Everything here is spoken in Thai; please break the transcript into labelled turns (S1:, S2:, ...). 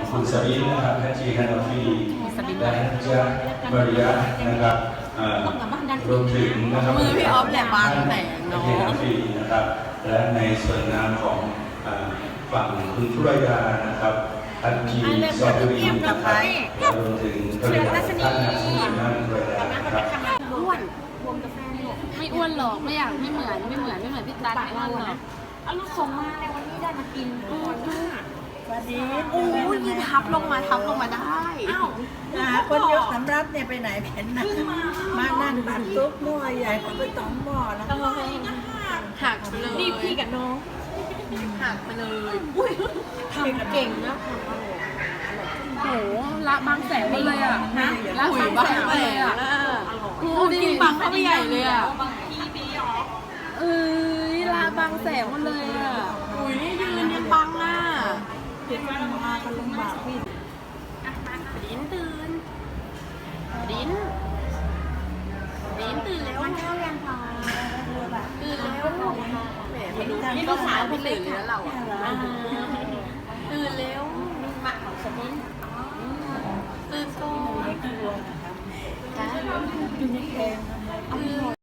S1: คุณสบินนะครับฮัจจีฮันอฟีและฮัจญะบริยะนะครับรวมถึงนะครับ
S2: มือพี่ออฟแหละบางแต่เนาะ
S1: ฮัจจีฮันอฟีนะครับและในส่วนงานของฝั่งคุณธุรยานะครับฮัจจีซอบุรีนะครับและรวมถึงบริษัทท่านนักสมุนนั่นด้วยนะครับ
S2: อ้วนไม่อ้วนหรอกไม่อยากไม่เหมือนพี่ตั๊ดไม่อ้วนหรอก
S3: เอาลูกส่งมาในวันนี้ได้มากินก่อนนะ
S4: สวัสดี
S2: โอ้ยยืนทับลงมาได้
S3: อ้าว
S4: คนยกสำรับเนี่ยไปไหนเห็นนะมานั่งผัดซุปหม้อใหญ่เขาไป2หม้อแล้ว
S2: หักเลย
S3: นี่พี่กับน้อง
S2: หักไปเลย
S3: ทำเก่งนะ
S2: โหละบางแสนหมดเลยอ่ะละบางแสนหมดเลยอ่ะโอ้กินบางเข้าไปใหญ่เลยอ่ะเอ้ยละบางแสนหมดเลยอ่ะอุ้ยยืนยังบังอ่ะ
S4: เห็นมากันลำบากพี่
S2: ดินตื่นดินตื่นแล้วมันเข้ายังพอตื่นแล้วแหมมาดูนี่ก็สาวพี่ตื่นแล้วเราอ่ะตื่นแล้วหมักของสมินตื่นก่อน
S4: ไม่กลัวนะครับอยู่ในแกงทำไม